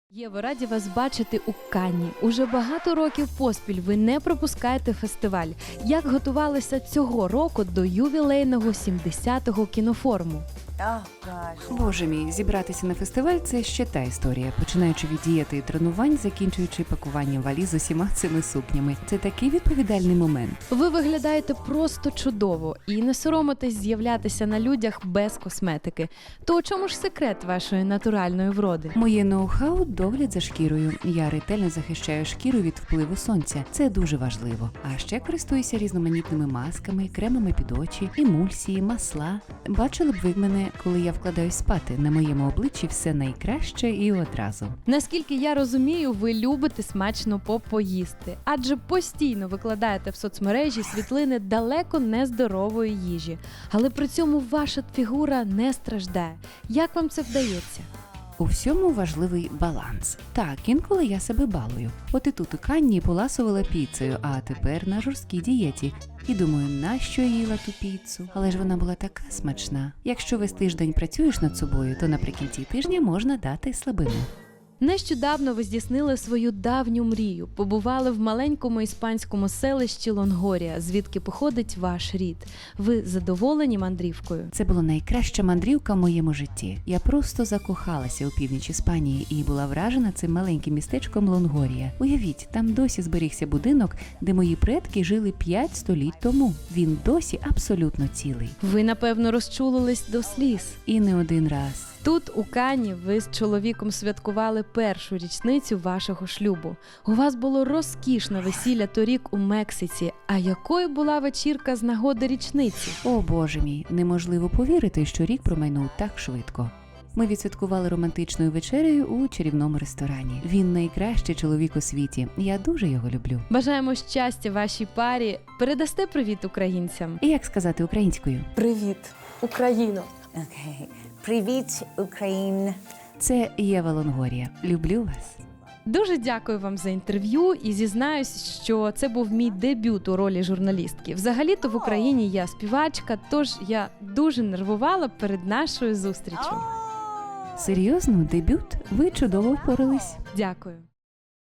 Єво, раді вас бачити у Канні. Уже багато років поспіль ви не пропускаєте фестиваль. Як готувалися цього року до ювілейного 70-го кінофоруму? Боже мій, зібратися на фестиваль – це ще та історія. Починаючи від дієти і тренувань, закінчуючи пакуванням валіз з усіма цими сукнями. Це такий відповідальний момент. Ви виглядаєте просто чудово і не соромитесь з'являтися на людях без косметики. То у чому ж секрет вашої натуральної вроди? Моє ноу-хау – догляд за шкірою. Я ретельно захищаю шкіру від впливу сонця. Це дуже важливо. А ще користуюся різноманітними масками, кремами під очі, емульсії, масла. Бачили б ви мене, коли я вкладаюсь спати. На моєму обличчі все найкраще і одразу. Наскільки я розумію, ви любите смачно попоїсти, адже постійно викладаєте в соцмережі світлини далеко нездорової їжі. Але при цьому ваша фігура не страждає. Як вам це вдається? У всьому важливий баланс. Так, інколи я себе балую. От і тут у Канні поласувала піцею, а тепер на жорсткій дієті. І думаю, нащо я їла ту піцу? Але ж вона була така смачна. Якщо весь тиждень працюєш над собою, то наприкінці тижня можна дати слабину. Нещодавно ви здійснили свою давню мрію. Побували в маленькому іспанському селищі Лонгорія, звідки походить ваш рід. Ви задоволені мандрівкою? Це була найкраща мандрівка в моєму житті. Я просто закохалася у північ Іспанії і була вражена цим маленьким містечком Лонгорія. Уявіть, там досі зберігся будинок, де мої предки жили 5 століть тому. Він досі абсолютно цілий. Ви, напевно, розчулились до сліз. І не один раз. Тут, у Канні, ви з чоловіком святкували першу річницю вашого шлюбу. У вас було розкішне весілля торік у Мексиці. А якою була вечірка з нагоди річниці? О, Боже мій, неможливо повірити, що рік промайнув так швидко. Ми відсвяткували романтичною вечерею у чарівному ресторані. Він найкращий чоловік у світі. Я дуже його люблю. Бажаємо щастя вашій парі. Передасте привіт українцям? І як сказати українською? Привіт, Україно! Окей. Привіт, Україна! Це Єва Лонгорія. Люблю вас. Дуже дякую вам за інтерв'ю і зізнаюсь, що це був мій дебют у ролі журналістки. Взагалі-то в Україні я співачка, тож я дуже нервувала перед нашою зустрічю. Серйозно, дебют? Ви чудово впорались. Дякую.